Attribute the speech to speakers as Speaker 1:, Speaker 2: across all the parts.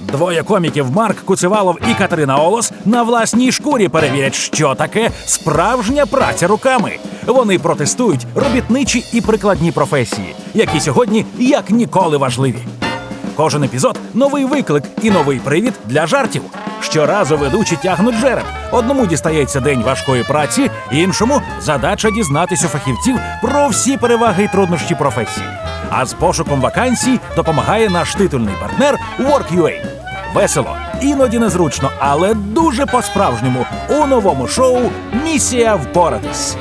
Speaker 1: Двоє коміків Марк Куцевалов і Катерина Олос на власній шкурі перевірять, що таке справжня праця руками. Вони протестують робітничі і прикладні професії, які сьогодні як ніколи важливі. Кожен епізод – новий виклик і новий привід для жартів. Щоразу ведучі тягнуть жереб. Одному дістається день важкої праці, іншому – задача дізнатись у фахівців про всі переваги і труднощі професії. А з пошуком вакансій допомагає наш титульний партнер Work.ua. Весело, іноді незручно, але дуже по-справжньому у новому шоу «Місія впоратись».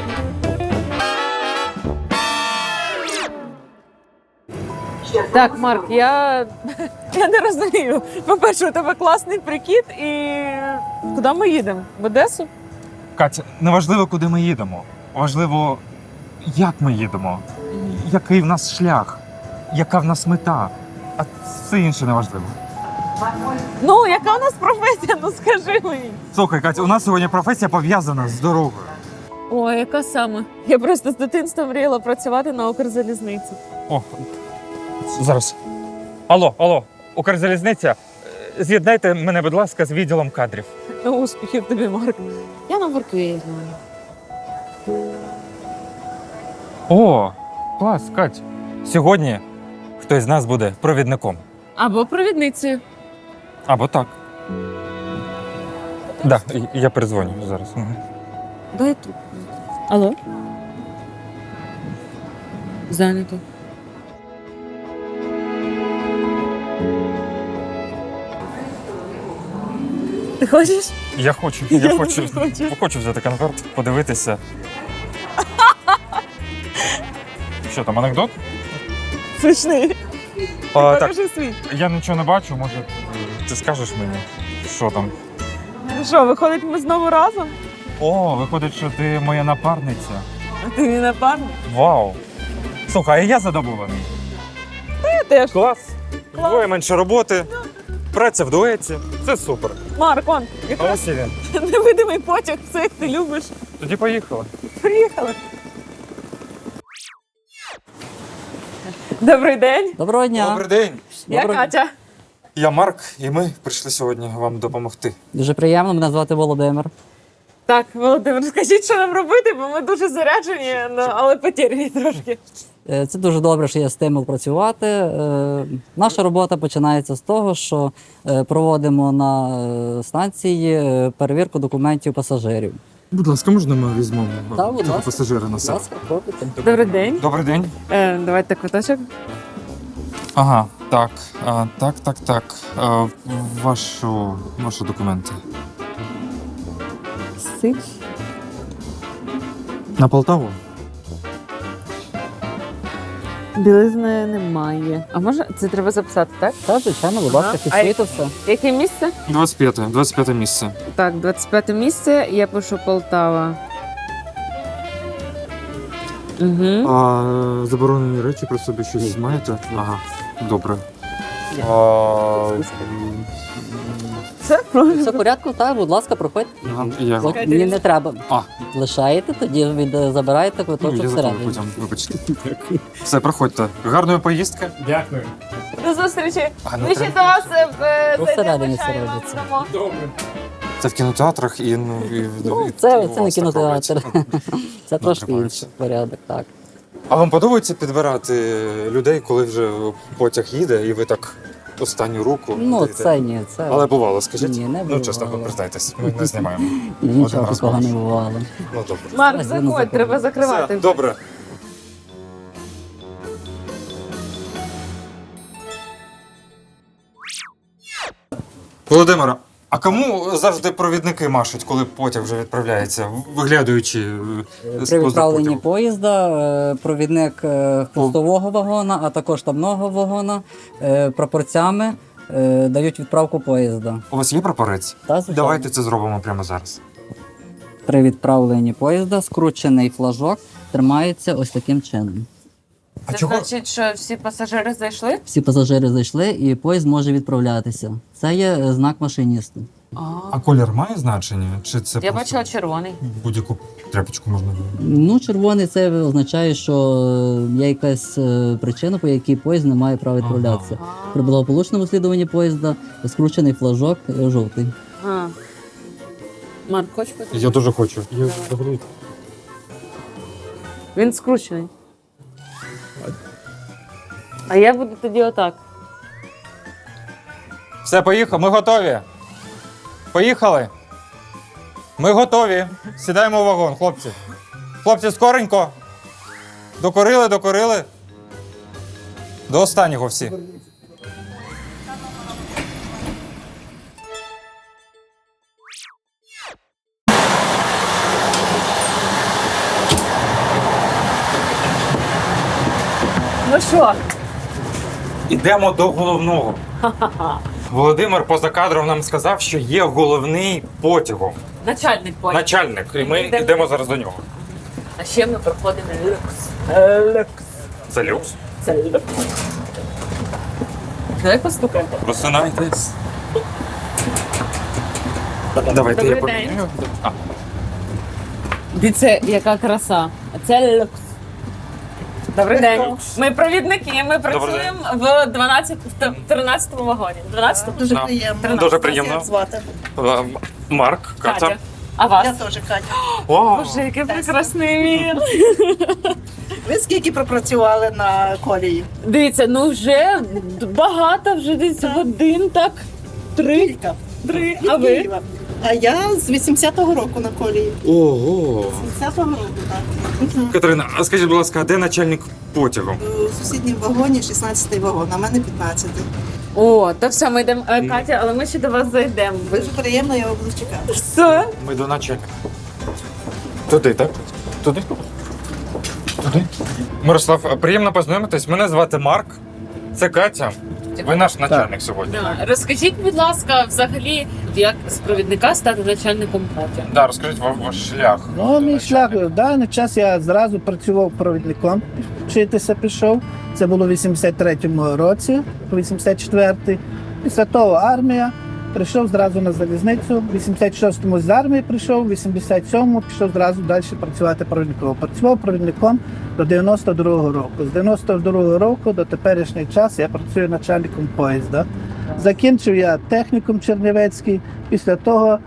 Speaker 2: Так, Марк, я не розумію. По-перше, у тебе класний прикид і куди ми їдемо? В Одесу?
Speaker 3: Катя, не важливо, куди ми їдемо. Важливо, як ми їдемо, який в нас шлях, яка в нас мета. А все інше не важливо.
Speaker 2: Ну, яка у нас професія? Ну скажи мені.
Speaker 3: Слухай, Катя, у нас сьогодні професія пов'язана з дорогою.
Speaker 2: Ой, яка саме? Я просто з дитинства мріяла працювати на Укрзалізниці.
Speaker 3: О, зараз. Алло, Укрзалізниця, з'єднайте мене, будь ласка, з відділом кадрів.
Speaker 2: Ну, успіхів тобі, Марк. Я на Work.ua знаю.
Speaker 3: О, клас, Кать. Сьогодні хтось з нас буде провідником.
Speaker 2: Або провідницею.
Speaker 3: Або так. Так, я передзвоню зараз.
Speaker 2: Дай тут. Алло? Зайнято. Ти хочеш?
Speaker 3: Я хочу хочу взяти конверт, подивитися. Що там, анекдот?
Speaker 2: Смішний.
Speaker 3: Так,
Speaker 2: Покажи свій.
Speaker 3: я нічого не бачу, може, ти скажеш мені, що там?
Speaker 2: Ну що, виходить, ми знову разом?
Speaker 3: О, виходить, що ти моя напарниця.
Speaker 2: А ти мій напарник?
Speaker 3: Вау! Слухай, а я задоволений.
Speaker 2: Я теж.
Speaker 3: Клас. Двоє менше роботи, праця в дуеті. Це супер.
Speaker 2: Марк, он, якраз
Speaker 3: Ось і він.
Speaker 2: невидимий потяг, все як ти любиш.
Speaker 3: Тоді поїхали.
Speaker 2: Приїхали. Добрий день.
Speaker 4: Доброго дня.
Speaker 3: Добрий день.
Speaker 2: Я Катя.
Speaker 3: Я Марк, і ми прийшли сьогодні вам допомогти.
Speaker 4: Дуже приємно, мене звати Володимир.
Speaker 2: Так, Володимир, скажіть, що нам робити, бо ми дуже заряджені, але потеряні трошки.
Speaker 4: Це дуже добре, що є стимул працювати. Наша робота починається з того, що проводимо на станції перевірку документів пасажирів.
Speaker 3: Будь ласка, можна ми візьмемо
Speaker 4: Так, будь
Speaker 3: цього
Speaker 4: ласка.
Speaker 3: пасажира на
Speaker 4: Будь
Speaker 3: себе?
Speaker 4: ласка, пробуйте.
Speaker 2: Добрий день.
Speaker 3: Добрий день.
Speaker 2: Давайте квиточок.
Speaker 3: Ага, так. Так. Ваші документи.
Speaker 2: Сич.
Speaker 3: На Полтаву?
Speaker 2: Білизни немає. А може це треба записати, так?
Speaker 4: Так, звичайно, будь ласка,
Speaker 2: Ага.
Speaker 4: фіксуйте все.
Speaker 2: Яке місце?
Speaker 3: 25 місце.
Speaker 2: Так, 25 місце, я пишу Полтава. Угу.
Speaker 3: А заборонені речі про собі щось маєте? Ага, добре.
Speaker 2: Це
Speaker 4: Все в порядку, так, будь ласка, проходьте. От мені не треба.
Speaker 3: А.
Speaker 4: Лишаєте, тоді забираєте квиточок
Speaker 3: Я запомню
Speaker 4: всередині.
Speaker 3: потім, вибачте. Все, проходьте. Гарної поїздки.
Speaker 1: Дякую.
Speaker 2: До зустрічі.
Speaker 3: А,
Speaker 2: Ми ще до вас
Speaker 4: Всередині
Speaker 2: чаю вам
Speaker 4: середиться.
Speaker 2: дамо.
Speaker 3: Це в кінотеатрах і
Speaker 4: Це
Speaker 3: у
Speaker 4: не
Speaker 3: вас так
Speaker 4: кінотеатр.
Speaker 3: робиться.
Speaker 4: Це трошки
Speaker 3: тримається.
Speaker 4: інший порядок, так.
Speaker 3: А вам подобається підбирати людей, коли вже потяг їде, і ви так останню руку?
Speaker 4: Ну,
Speaker 3: даєте?
Speaker 4: це ні, це...
Speaker 3: Але бувало, скажіть?
Speaker 4: Ні, не
Speaker 3: Ну, чесно,
Speaker 4: бувало.
Speaker 3: признайтесь, ми не знімаємо.
Speaker 4: Нічого
Speaker 3: Один раз
Speaker 4: такого не
Speaker 3: можеш.
Speaker 4: бувало.
Speaker 3: Ну, добре.
Speaker 2: Марк,
Speaker 4: Ось він
Speaker 2: заходь,
Speaker 4: заходить.
Speaker 2: треба закривати.
Speaker 3: Все, добре. Володимира, а кому завжди провідники машуть, коли потяг вже відправляється, виглядаючи з
Speaker 4: При
Speaker 3: поза
Speaker 4: відправленні
Speaker 3: потягу?
Speaker 4: поїзда провідник хвостового вагона, а також штабного вагона прапорцями дають відправку поїзда.
Speaker 3: У вас є прапорець?
Speaker 4: Та, звичайно.
Speaker 3: Давайте це зробимо прямо зараз.
Speaker 4: При відправленні поїзда скручений флажок тримається ось таким чином.
Speaker 3: А
Speaker 2: Це
Speaker 3: чого?
Speaker 2: значить, що всі пасажири зайшли?
Speaker 4: Всі пасажири зайшли і поїзд може відправлятися. Це є знак машиністу.
Speaker 3: А колір має значення? Чи це
Speaker 2: Я
Speaker 3: просто
Speaker 2: бачила червоний.
Speaker 3: будь-яку тряпочку можна?
Speaker 4: Ну, червоний це означає, що є якась причина, по якій поїзд не має права відправлятися. При благополучному слідуванні поїзда скручений флажок жовтий.
Speaker 2: Марк, хочеш пити?
Speaker 3: Я дуже хочу.
Speaker 2: Він скручений. А я буду тоді отак.
Speaker 3: Все, поїхали. Ми готові. Поїхали. Ми готові. Сідаємо в вагон, хлопці. Хлопці, скоренько. Докорили. До останнього всі.
Speaker 2: Ну що?
Speaker 3: Ідемо до головного. Володимир поза кадром нам сказав, що є головний потягом.
Speaker 2: Начальник поїзд.
Speaker 3: Начальник. І ми йдемо зараз до нього.
Speaker 2: А ще ми проходимо люкс. Люкс.
Speaker 3: Це люкс.
Speaker 2: Це люкс. Давай постукаємо.
Speaker 3: Просинайтесь. Давайте я
Speaker 2: Добрий день.
Speaker 3: поміняю.
Speaker 2: Дивіться, яка краса. Це люкс. Добрий день. Ми провідники, ми працюємо в 13-му вагоні. 12-му?
Speaker 5: Дуже
Speaker 3: Да.
Speaker 5: приємно.
Speaker 3: Дуже приємно.
Speaker 5: Як звати?
Speaker 3: Марк, Катя.
Speaker 2: Катя. А вас?
Speaker 5: Я теж Катя.
Speaker 3: О,
Speaker 2: Боже, який прекрасний мір.
Speaker 5: Ви скільки пропрацювали на колії?
Speaker 2: Дивіться, ну вже багато, вже десь годин, так? Три.
Speaker 5: Кілька.
Speaker 2: А ви?
Speaker 5: Києва. А я з 80-го року на колії.
Speaker 3: ого.
Speaker 5: 80-го року, так. Мгм.
Speaker 3: Катерина, а скажіть, будь ласка, а де начальник потягу?
Speaker 5: У сусідньому вагоні 16-й вагон, а в мене 15-й.
Speaker 2: О, то все, ми йдемо. Катя, але ми ще до вас зайдемо.
Speaker 5: Дуже приємно, я буду чекати.
Speaker 2: Все.
Speaker 3: Ми до начальника. Туди, так? Туди? Туди. Мирослав, приємно познайомитись. Мене звати Марк. Це Катя. Ви наш начальник сьогодні.
Speaker 2: Да. Розкажіть, будь ласка, взагалі, як з провідника стати начальником потягу?
Speaker 3: Да, розкажіть ваш шлях.
Speaker 6: Ну, мій шлях в даний час я зразу працював провідником, вчитися пішов. Це було в 83-му році, по 84-й. Після того армія. Прийшов зразу на залізницю. В 86-му з армії прийшов, в 87-му пішов зразу далі працювати провідником. Працював провідником до 92-го року. З 92-го року до теперішнього часу я працюю начальником поїзда. Закінчив я технікум Чернівецький, після того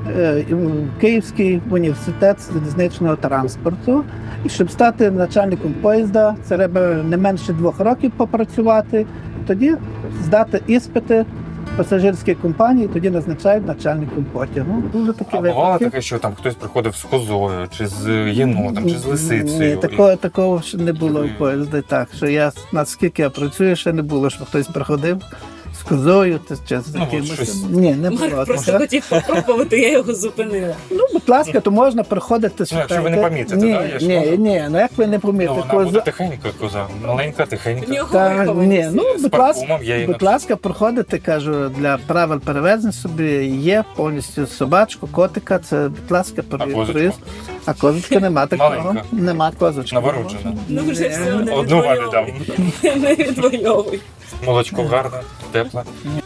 Speaker 6: Київський університет залізничного транспорту. І щоб стати начальником поїзда, це треба не менше 2 років попрацювати, тоді здати іспити пасажирській компанії, тоді назначають начальником потягу. Дуже такі
Speaker 3: А бувало
Speaker 6: випадки.
Speaker 3: таке, що там хтось приходив з козою, чи з єнотом, чи з
Speaker 6: Ні,
Speaker 3: лисицею?
Speaker 6: такого ще не було в поїзді. Так, що я, наскільки я працюю, ще не було, щоб хтось приходив з козою чи з
Speaker 3: Ну, от
Speaker 6: якимось.
Speaker 3: щось.
Speaker 6: Ні, не було.
Speaker 2: Марк просто
Speaker 6: такого.
Speaker 2: хотів попробувати, я його зупинила.
Speaker 6: Ну, будь ласка, то можна приходити.
Speaker 3: Ну, якщо ви не помітите,
Speaker 6: ні,
Speaker 3: да, я ж
Speaker 6: ні,
Speaker 3: можу.
Speaker 6: ні, ну як ви не
Speaker 3: Ну,
Speaker 6: помітите?
Speaker 3: вона буде тихенька коза, маленька, тихенька.
Speaker 6: Ні, ну,
Speaker 3: З
Speaker 6: будь
Speaker 3: парфумом
Speaker 6: ласка,
Speaker 3: я її
Speaker 6: будь ласка, проходите, кажу, для правил перевезень собі є повністю собачку, котика, це, будь ласка,
Speaker 3: козочку?
Speaker 6: проїзд. А козочки нема такого.
Speaker 3: Маленька.
Speaker 6: Нема козочки.
Speaker 3: Народжена.
Speaker 2: Ну вже все, не
Speaker 3: Одну ваді дам.
Speaker 2: Не відвоюй.
Speaker 3: Молочко гарне, тепле.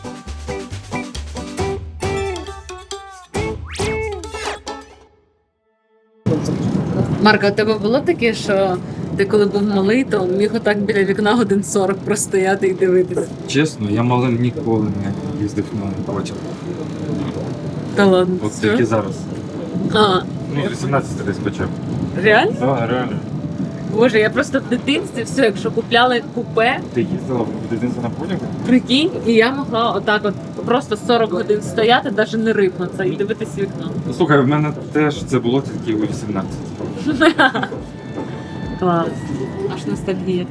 Speaker 2: Марка, у тебе було таке, що ти коли був малий, то міг отак біля вікна годин 40 простояти і дивитися?
Speaker 3: Чесно, я малим ніколи не їздив на потяг.
Speaker 2: Та ладно.
Speaker 3: От
Speaker 2: що?
Speaker 3: тільки зараз.
Speaker 2: А,
Speaker 3: Ну, 18 десь почав.
Speaker 2: реально?
Speaker 3: Так, реально.
Speaker 2: Боже, я просто в дитинстві все, якщо купляли купе,
Speaker 3: Ти їздила в дитинстві на потягу?
Speaker 2: прикинь, і я могла отак от просто 40 годин стояти, навіть не рипнутися і дивитися в вікно.
Speaker 3: Ну, слухай, в мене теж це було тільки у 18.
Speaker 2: Клас. Аж ностальгія.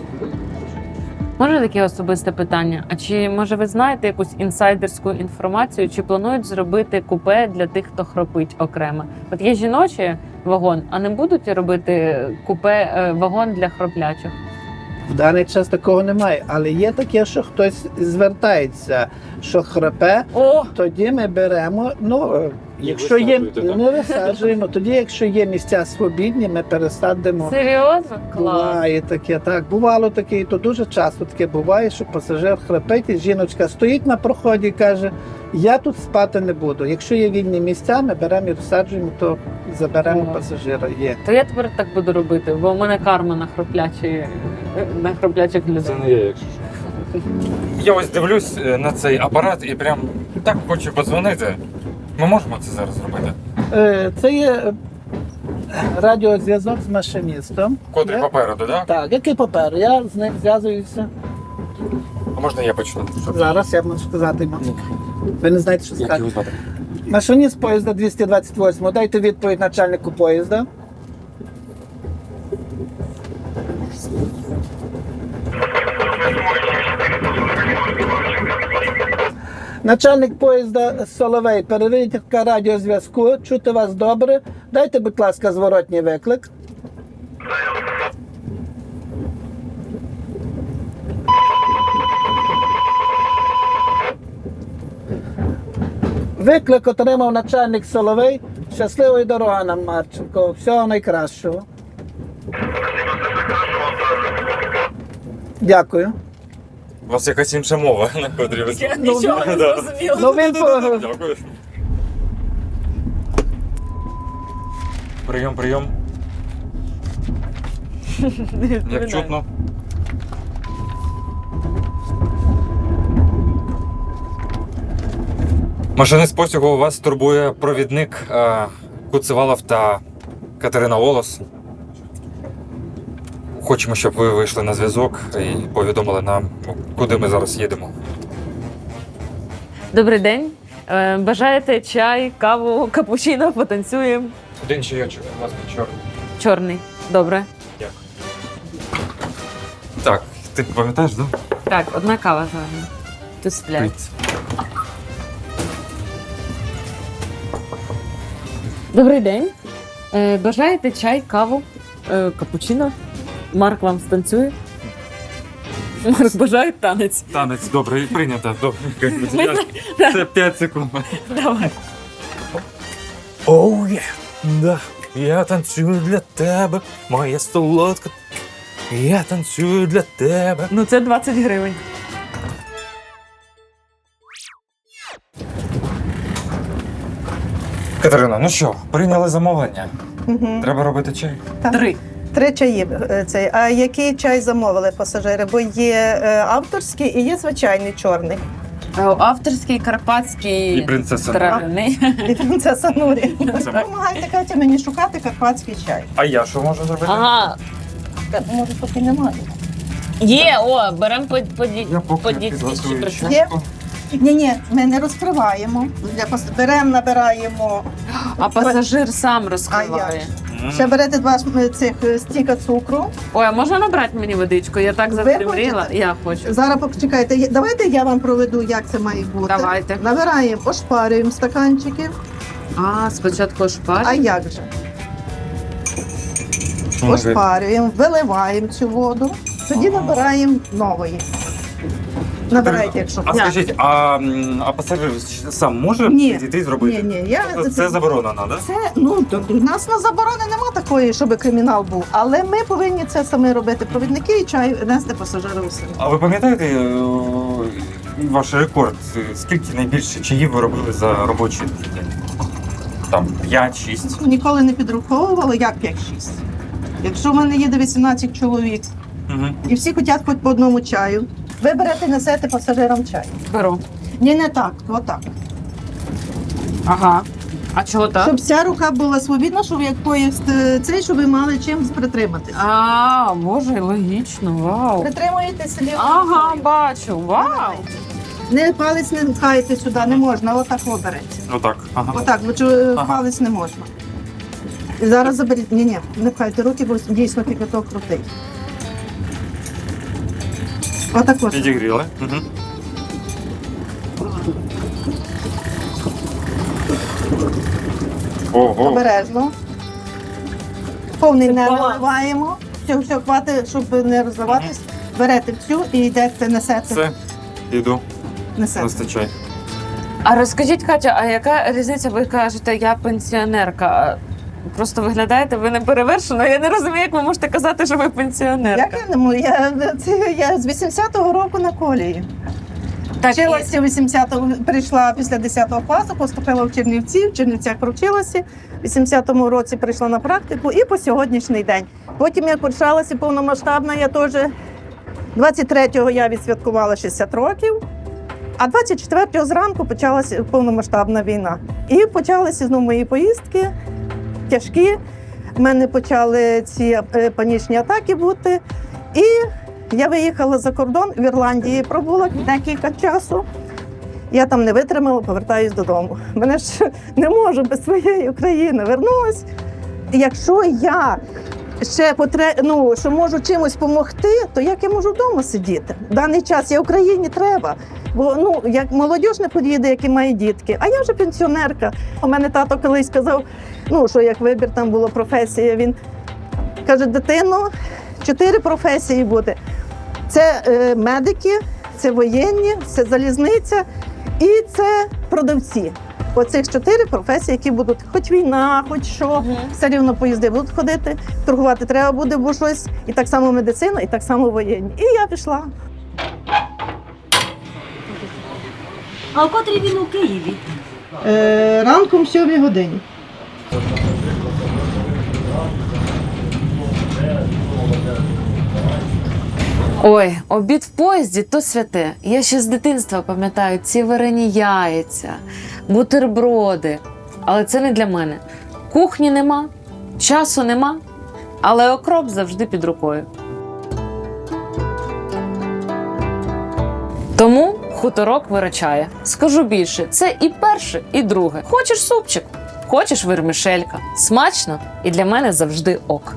Speaker 2: Може таке особисте питання? А чи може ви знаєте якусь інсайдерську інформацію, чи планують зробити купе для тих, хто хропить окремо? От є жіночий вагон, а не будуть робити купе вагон для хроплячих?
Speaker 6: В даний час такого немає, але є таке, що хтось звертається, що храпе,
Speaker 2: О!
Speaker 6: тоді ми беремо. Ну, якщо є,
Speaker 3: висаджуєте, так?
Speaker 6: не висаджуємо, тоді, якщо є місця свобідні, ми пересадимо.
Speaker 2: Серйозно? Клас.
Speaker 6: Буває таке, так. Бувало таке, і то дуже часто таке буває, що пасажир храпить, і жіночка стоїть на проході і каже, Я тут спати не буду. Якщо є вільні місця, ми беремо і розсаджуємо, то заберемо
Speaker 2: Ага.
Speaker 6: пасажира. Є.
Speaker 2: То я тепер так буду робити, бо у мене карма на хроплячих людей.
Speaker 3: не я, якщо що. Я ось дивлюсь на цей апарат і прям так хочу подзвонити. Ми можемо це зараз зробити?
Speaker 6: Це є радіозв'язок з машиністом.
Speaker 3: Котрий
Speaker 6: Я-
Speaker 3: попереду, так?
Speaker 6: Так, який папер? Я з ним зв'язуюся.
Speaker 3: А можна я почну?
Speaker 6: Зараз я можу сказати йому. Ви не знаєте, що
Speaker 3: Як
Speaker 6: сказати.
Speaker 3: його звати?
Speaker 6: Машиніст поїзда 228. Дайте відповідь начальнику поїзда. Начальник поїзда Соловей, перевірка радіозв'язку. Чути вас добре. Дайте, будь ласка, зворотній виклик. Виклик отримав начальник Соловей. Щасливої дороги нам, Марченко. Всього найкращого. Дякую.
Speaker 3: У вас якась інша мова, на котрій ви
Speaker 2: Нічого не
Speaker 3: Да.
Speaker 2: зрозуміла.
Speaker 6: Ну він по-
Speaker 3: Дякую. Прийом, прийом. Як чутно. Машинист потягу, вас турбує провідник Куцевалов та Катерина Волос. Хочемо, щоб ви вийшли на зв'язок і повідомили нам, куди ми зараз їдемо.
Speaker 2: Добрий день. Бажаєте чай, каву, капучино, потанцюємо?
Speaker 3: Один чайочок, будь ласка, чорний.
Speaker 2: Чорний. Добре.
Speaker 3: Дякую. Так, ти пам'ятаєш, так?
Speaker 2: Так, одна кава з вами. Тут сплять. Добрий день. Бажаєте чай, каву, капучино? Марк вам станцює? Марк бажає танець.
Speaker 3: Танець, добре, прийнято. Добре. Це 5 секунд.
Speaker 2: Давай.
Speaker 1: Оу, є. Да. Я танцюю для тебе, моя солодка. Я танцюю для тебе.
Speaker 2: Ну це 20 гривень.
Speaker 3: Катерина, ну що, прийняли замовлення?
Speaker 5: Мгм.
Speaker 3: Треба робити чай.
Speaker 2: 3.
Speaker 5: 3 чаї. А який чай замовили пасажири? Бо є авторський і є звичайний чорний.
Speaker 2: Авторський, карпатський,
Speaker 3: І принцеса.
Speaker 2: трав'яний.
Speaker 5: І принцеса Нурі.
Speaker 3: Це-
Speaker 5: Допомагайте Катя мені шукати карпатський чай.
Speaker 3: А я що можу зробити?
Speaker 2: Ага,
Speaker 5: Може, поки немає.
Speaker 2: є, о, беремо
Speaker 3: Я поки
Speaker 2: по дікці.
Speaker 3: підготую
Speaker 2: чи
Speaker 3: чашку.
Speaker 5: Ні, ми не розкриваємо. Беремо, набираємо.
Speaker 2: А пасажир сам розкриває.
Speaker 5: Ще берете 2 цих стіка цукру.
Speaker 2: Ой, а можна набрати мені водичку? Я так запримріла.
Speaker 5: хочете?
Speaker 2: Я хочу.
Speaker 5: Зараз почекайте. Давайте я вам проведу, як це має бути.
Speaker 2: Давайте.
Speaker 5: Набираємо, ошпарюємо стаканчики.
Speaker 2: А, спочатку
Speaker 5: А
Speaker 2: шпар.
Speaker 5: як же? Ошпарюємо, виливаємо цю воду, тоді набираємо нової. Набирайте, якщо
Speaker 3: А
Speaker 5: хочете.
Speaker 3: скажіть, а пасажир сам може
Speaker 5: Ні.
Speaker 3: підійти і зробити?
Speaker 5: Ні, я
Speaker 3: Це заборонено, так?
Speaker 5: це, ну, у нас на заборони нема такої, щоб кримінал був. Але ми повинні це самі робити. Провідники і чай нести пасажирам самі.
Speaker 3: А ви пам'ятаєте ваш рекорд? Скільки найбільше чаїв ви робили за робочий день? Там 5-6.
Speaker 5: Ніколи не підраховували, як 5-6. Якщо в мене їде 18 чоловік
Speaker 3: Угу.
Speaker 5: і всі хочуть хоч по одному чаю, ви берете, несете пасажирам чай.
Speaker 2: Беру.
Speaker 5: Ні, не так, отак.
Speaker 2: Ага. А чого так?
Speaker 5: Щоб вся рука була свобідна, щоб як поїзд цей, щоб ви мали чим притриматися.
Speaker 2: А, боже, логічно, вау.
Speaker 5: Притримуєтеся лівою
Speaker 2: Ага,
Speaker 5: рукою.
Speaker 2: бачу, вау.
Speaker 5: Не палець не пхаєте сюди, не можна, отак обереться.
Speaker 3: Отак. Ага.
Speaker 5: Отак, бо
Speaker 3: Ага.
Speaker 5: палець не можна. І зараз заберіть. Ні, не пхайте руки, бо дійсно кипяток крутий. Отак ось.
Speaker 3: Підігріли. Угу. Ого.
Speaker 5: Обережно. Повний не
Speaker 2: баланс.
Speaker 5: наливаємо. Все, хватить, щоб не розливатись. Берете всю і йдете, несете.
Speaker 3: Все, іду.
Speaker 5: Несете.
Speaker 3: Вистачай.
Speaker 2: А розкажіть, Катя, а яка різниця? Ви кажете, я пенсіонерка. А просто виглядаєте, ви не перевершено. Я не розумію, як ви можете казати, що ви пенсіонерка.
Speaker 5: Як я не можу? Я з 80-го року на колії.
Speaker 2: Так,
Speaker 5: Вчилася 80-го, прийшла після 10 класу, поступила в Чернівці, в Чернівцях провчилася. В 80-му році прийшла на практику і по сьогоднішній день. Потім, як почалася повномасштабна, я теж 23-го я відсвяткувала 60 років, а 24-го зранку почалася повномасштабна війна. І почалися знову мої поїздки тяжкі. У мене почали ці панічні атаки бути. І я виїхала за кордон, в Ірландії пробула декілька часу. Я там не витримала, повертаюсь додому. Мене ж не можу без своєї України. Вернулась. Якщо я ще що можу чимось допомогти, то як я можу вдома сидіти? В даний час я Україні треба. Бо як молодь не поїде, які має дітки, а я вже пенсіонерка. У мене тато колись сказав, що як вибір там була професія, він каже: дитино, 4 професії буде. Це медики, це воєнні, це залізниця і це продавці. Оцих 4 професії, які будуть, хоч війна, хоч що, все рівно поїзди будуть ходити, торгувати треба буде, бо щось. І так само медицина, і так само воєнні. І я пішла.
Speaker 7: А о котрій він у Києві?
Speaker 5: Ранком 7 годині.
Speaker 2: Ой, обід в поїзді то святе. Я ще з дитинства пам'ятаю ці варені яйця, бутерброди. Але це не для мене. Кухні нема, часу нема, але окроп завжди під рукою. Тому хуторок виручає. Скажу більше, це і перше, і друге. Хочеш супчик, хочеш вермишелька. Смачно і для мене завжди ок.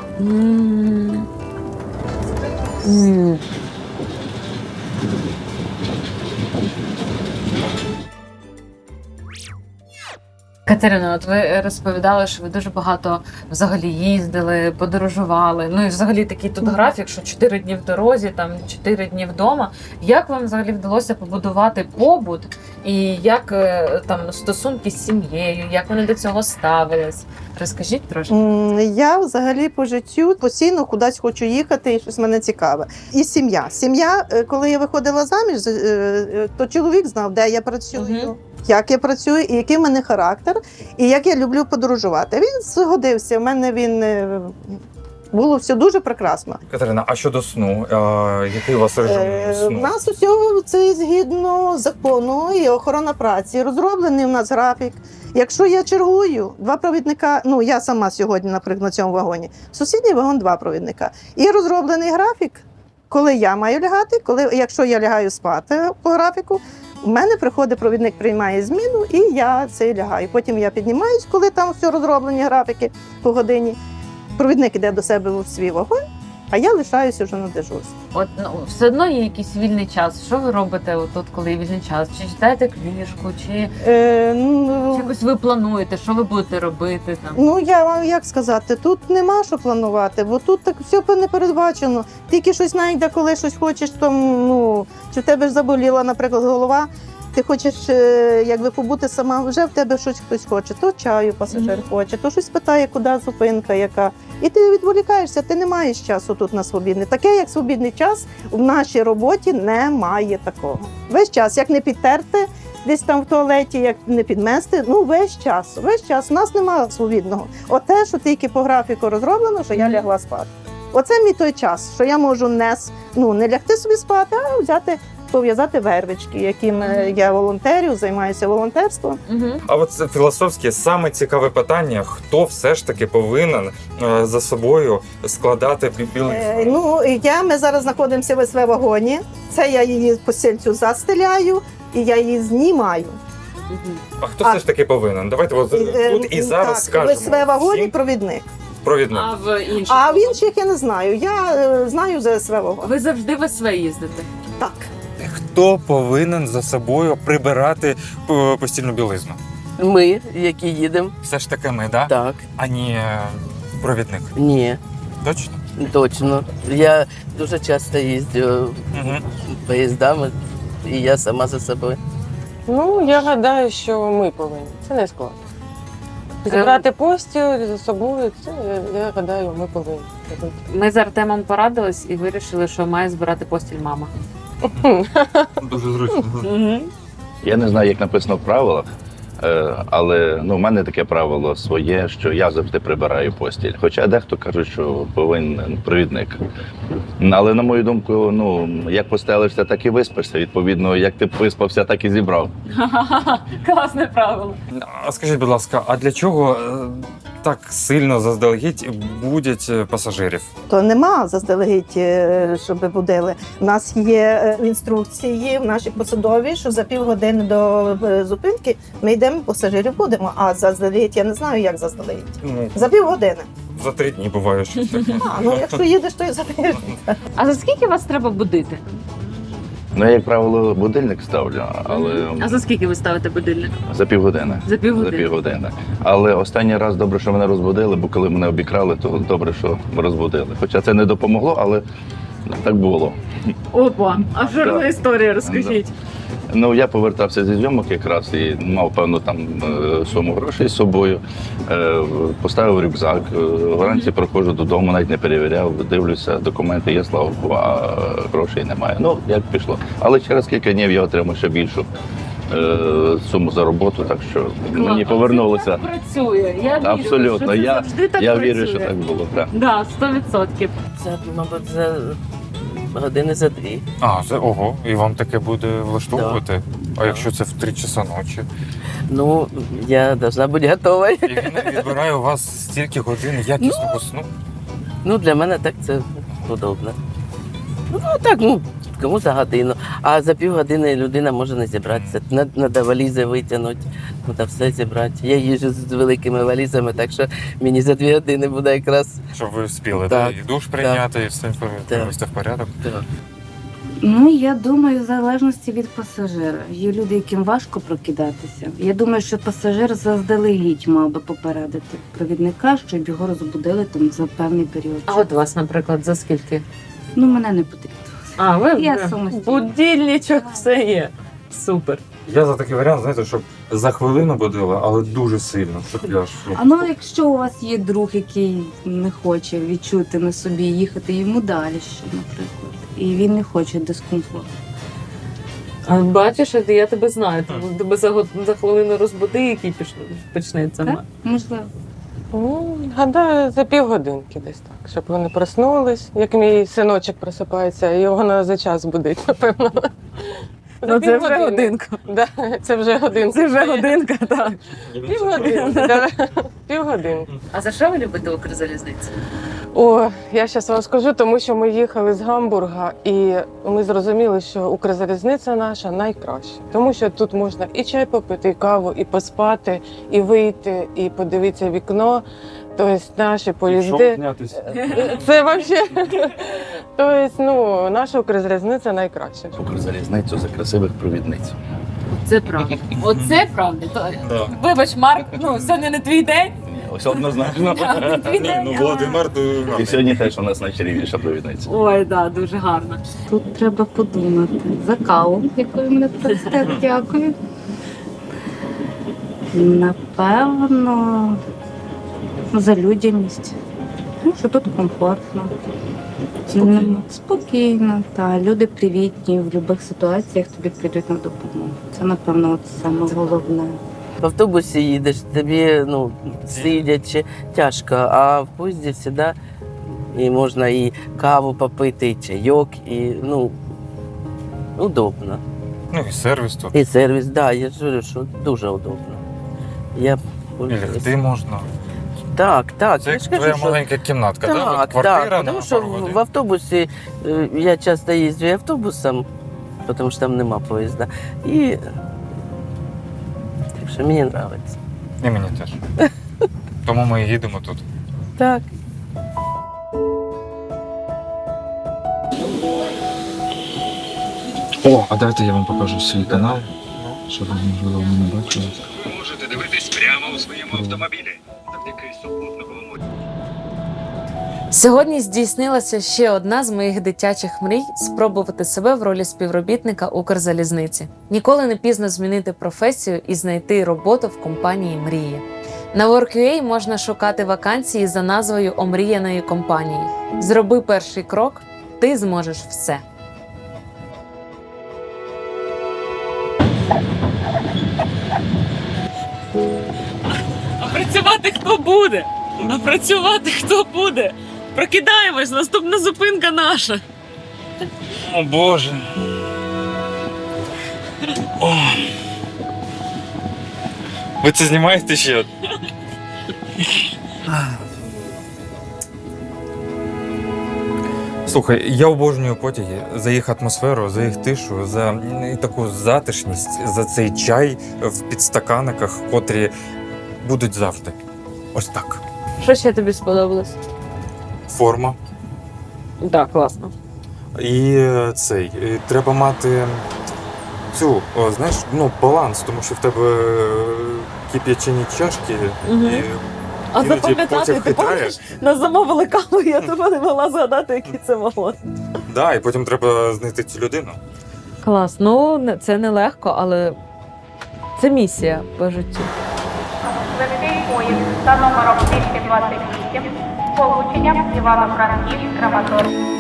Speaker 2: Катерина, от ви розповідали, що ви дуже багато взагалі їздили, подорожували. Ну і взагалі такий тут графік, що 4 дні в дорозі, там 4 дні вдома. Як вам взагалі вдалося побудувати побут і як там стосунки з сім'єю, як вони до цього ставились? Розкажіть трошки.
Speaker 5: Я взагалі по життю постійно кудись хочу їхати, і щось мене цікаве. І сім'я. Сім'я, коли я виходила заміж, то чоловік знав, де я працюю, як я працюю, і який в мене характер, і як я люблю подорожувати. Він згодився, в мене було все дуже прекрасно.
Speaker 3: Катерина, а щодо сну? Який у вас режим
Speaker 5: У
Speaker 3: сну?
Speaker 5: нас усього це згідно закону і охорона праці. Розроблений у нас графік. Якщо я чергую, 2 провідника, я сама сьогодні, наприклад, на цьому вагоні, сусідній вагон 2 провідника. І розроблений графік, коли я маю лягати, якщо я лягаю спати по графіку, у мене приходить провідник, приймає зміну, і я це лягаю. Потім я піднімаюсь, коли там все розроблені графіки по годині. Провідник іде до себе в свій вагон, а я лишаюся вже на дежурстві.
Speaker 2: От все одно є якийсь вільний час. Що ви робите тут, коли є вільний час? Чи читаєте книжку, чи якось ви плануєте, що ви будете робити там?
Speaker 5: Я вам як сказати, тут нема що планувати, бо тут так все не передбачено. Тільки щось знайде, коли щось хочеш, там, чи в тебе ж заболіла, наприклад, голова, ти хочеш якби побути сама, вже в тебе щось хтось хоче, то чаю пасажир хоче, то щось питає, куди зупинка, яка. І ти відволікаєшся, ти не маєш часу тут на свобідний. Таке, як свобідний час, в нашій роботі немає такого. Весь час, як не підтерти десь там в туалеті, як не підмести, весь час. У нас немає свобідного. Оте, що тільки по графіку розроблено, що я лягла спати. Оце мій той час, що я можу не лягти собі спати, а пов'язати вервички, яким я волонтерю, займаюся волонтерством.
Speaker 3: А от це філософське, саме цікаве питання, хто все ж таки повинен за собою складати білизну?
Speaker 5: Ми зараз знаходимося в СВ-вагоні, це я її постільцю застеляю і я її знімаю.
Speaker 3: А хто все ж таки повинен? Давайте тут і зараз скажемо.
Speaker 5: В СВ-вагоні
Speaker 3: всім.
Speaker 5: провідник.
Speaker 3: Провідник.
Speaker 2: А в інших?
Speaker 5: А в інших я не знаю. Я знаю за СВ-вагон.
Speaker 2: Ви завжди в СВ їздите?
Speaker 5: Так.
Speaker 3: Хто повинен за собою прибирати постільну білизну?
Speaker 8: Ми, які їдемо,
Speaker 3: Все ж таки ми, так?
Speaker 8: так.
Speaker 3: А не провідник.
Speaker 8: Ні,
Speaker 3: Точно?
Speaker 8: точно. Я дуже часто їздю
Speaker 3: Угу.
Speaker 8: поїздами, і я сама за собою.
Speaker 9: Я гадаю, що ми повинні. Це не складно. Зібрати постіль за собою, це, я гадаю, ми повинні.
Speaker 2: Ми з Артемом порадились і вирішили, що має збирати постіль мама.
Speaker 3: Дуже зручно.
Speaker 10: Я не знаю, як написано в правилах, але в мене таке правило своє, що я завжди прибираю постіль. Хоча дехто каже, що повинен провідник. Але на мою думку, як постелишся, так і виспишся. Відповідно, як ти виспався, так і зібрав.
Speaker 2: Класне правило.
Speaker 3: А скажіть, будь ласка, а для чого так сильно заздалегідь будять пасажирів?
Speaker 5: То нема заздалегідь, щоб будили. У нас є інструкції в нашій посадовій, що за півгодини до зупинки ми йдемо, пасажирів будемо. А заздалегідь я не знаю, як заздалегідь. За півгодини.
Speaker 3: За 3 дні буває щось таке.
Speaker 5: Якщо їдеш, то і за тиждень.
Speaker 2: А за скільки вас треба будити?
Speaker 10: Я, як правило, будильник ставлю, але
Speaker 2: А за скільки ви ставите будильник?
Speaker 10: за півгодини.
Speaker 2: За півгодини.
Speaker 10: За півгодини. Але останній раз добре, що мене розбудили, бо коли мене обікрали, то добре, що розбудили. Хоча це не допомогло, але так було.
Speaker 2: Опа, а що
Speaker 10: Да.
Speaker 2: за історія, розкажіть.
Speaker 10: Я повертався зі зйомок якраз і мав певну суму грошей з собою. Поставив рюкзак. Вранці проходжу додому, навіть не перевіряв, дивлюся, документи є, слава Богу, а грошей немає. Як пішло. Але через кілька днів я отримав ще більшу суму за роботу, так що мені повернулося.
Speaker 2: Це так працює. Я вірю,
Speaker 10: Абсолютно.
Speaker 2: що це завжди так
Speaker 10: Я
Speaker 2: працює.
Speaker 10: вірю, що так було. Так.
Speaker 2: Да, 100%.
Speaker 8: Це, мабуть, за години за 2.
Speaker 3: Ого, і вам таке буде влаштовувати? А якщо це в 3 часа ночі?
Speaker 8: Я повинна бути готова.
Speaker 3: І він відбирає у вас стільки годин якісного сну?
Speaker 8: Для мене так це удобно. Кому за годину. А за півгодини людина може не зібратися. Треба валізи витягнути, треба все зібрати. Я їжджу з великими валізами, так що мені за 2 години буде якраз.
Speaker 3: Щоб ви встигли
Speaker 8: Так,
Speaker 3: і душ прийняти, і все привести в порядок?
Speaker 8: Так.
Speaker 11: Я думаю, в залежності від пасажира. Є люди, яким важко прокидатися. Я думаю, що пасажир заздалегідь мав би попередити провідника, щоб його розбудили за певний період.
Speaker 2: А от вас, наприклад, за скільки?
Speaker 11: Мене не потрібно.
Speaker 2: А, ви
Speaker 11: Я самостійно.
Speaker 2: будильничок, все є. Супер.
Speaker 3: Я за такий варіант, знаєте, щоб за хвилину будили, але дуже сильно, щоб я ж...
Speaker 11: Якщо у вас є друг, який не хоче відчути на собі їхати йому далі ще, наприклад, і він не хоче дискомфорту.
Speaker 2: А бачиш, я тебе знаю. Тебе за хвилину розбуди, який почнеться.
Speaker 11: Так? Можливо.
Speaker 9: Гадаю, за півгодинки десь так, щоб вони проснулись. Як мій синочок просипається, його за час будить, напевно.
Speaker 2: Це вже годинка.
Speaker 9: Да, це вже годинка.
Speaker 2: Це вже годинка, так.
Speaker 9: Півгодинки.
Speaker 2: А за що ви любите Укрзалізницю?
Speaker 9: Я зараз вам скажу, тому що ми їхали з Гамбурга, і ми зрозуміли, що Укрзалізниця наша найкраща. Тому що тут можна і чай попити, і каву, і поспати, і вийти, і подивитися в вікно. Тобто наші поїзди. Це взагалі. Тобто, наша Укрзалізниця найкраща.
Speaker 10: Укрзалізницю за красивих провідниць.
Speaker 2: Це правда. Оце правда. Вибач, Марк, сьогодні не твій день.
Speaker 10: Ось однозначно.
Speaker 3: Володимир,
Speaker 10: І сьогодні теж у нас найчарівніша провідниця.
Speaker 2: Ой, так, дуже гарно.
Speaker 11: Тут треба подумати. За каву, якою мене простите, дякую. Напевно, за людяність. Що тут комфортно. Спокійно. Люди привітні, в будь-яких ситуаціях тобі прийдуть на допомогу. Це, напевно, саме головне.
Speaker 8: В автобусі їдеш, тобі сидячи тяжко, а в поїзді завжди і можна і каву попити, і чайок, і удобно.
Speaker 3: І сервіс тут.
Speaker 8: І сервіс, я ж говорю, що дуже удобно.
Speaker 3: І лягти можна.
Speaker 8: Так.
Speaker 3: Це
Speaker 8: Я
Speaker 3: як
Speaker 8: ж кажу,
Speaker 3: твоя
Speaker 8: що...
Speaker 3: маленька кімнатка, так? Квартира
Speaker 8: тому
Speaker 3: на
Speaker 8: що
Speaker 3: пару годин.
Speaker 8: в автобусі я часто їздю і автобусом, тому що там нема поїзда. І так що мені подобається.
Speaker 3: І мені теж. Тому ми і їдемо тут.
Speaker 8: Так.
Speaker 3: А дайте я вам покажу свій канал, щоб ви, можливо, мене бачили.
Speaker 1: Ви можете дивитись прямо у своєму автомобілі завдяки супутниковому.
Speaker 2: Сьогодні здійснилася ще одна з моїх дитячих мрій – спробувати себе в ролі співробітника Укрзалізниці. Ніколи не пізно змінити професію і знайти роботу в компанії «Мрія». На Work.ua можна шукати вакансії за назвою омріяної компанії. Зроби перший крок – ти зможеш все. працювати хто буде? А працювати хто буде? Прокидаємось, наступна зупинка наша.
Speaker 3: О Боже. О. Ви це знімаєте ще? Слухай, я обожнюю потяги за їх атмосферу, за їх тишу, за таку затишність, за цей чай в підстаканниках, котрі будуть завжди. Ось так.
Speaker 2: Що ще тобі сподобалось?
Speaker 3: Форма.
Speaker 2: Так, класно.
Speaker 3: І треба мати цю, знаєш, баланс, тому що в тебе кип'ячені чашки.
Speaker 2: Мгм.
Speaker 3: І
Speaker 2: А
Speaker 3: іноді
Speaker 2: запам'ятати,
Speaker 3: потяг
Speaker 2: ти
Speaker 3: хитає.
Speaker 2: пам'ятаєш? Нас замовили каву, я тебе не могла згадати, який це вагон.
Speaker 3: Да, і потім треба знайти цю людину.
Speaker 2: Клас. Ну, це нелегко, але це місія по життю.
Speaker 12: Швидкий поїзд за номером 228 з полученням Івано-Франківськ-Краматорськ.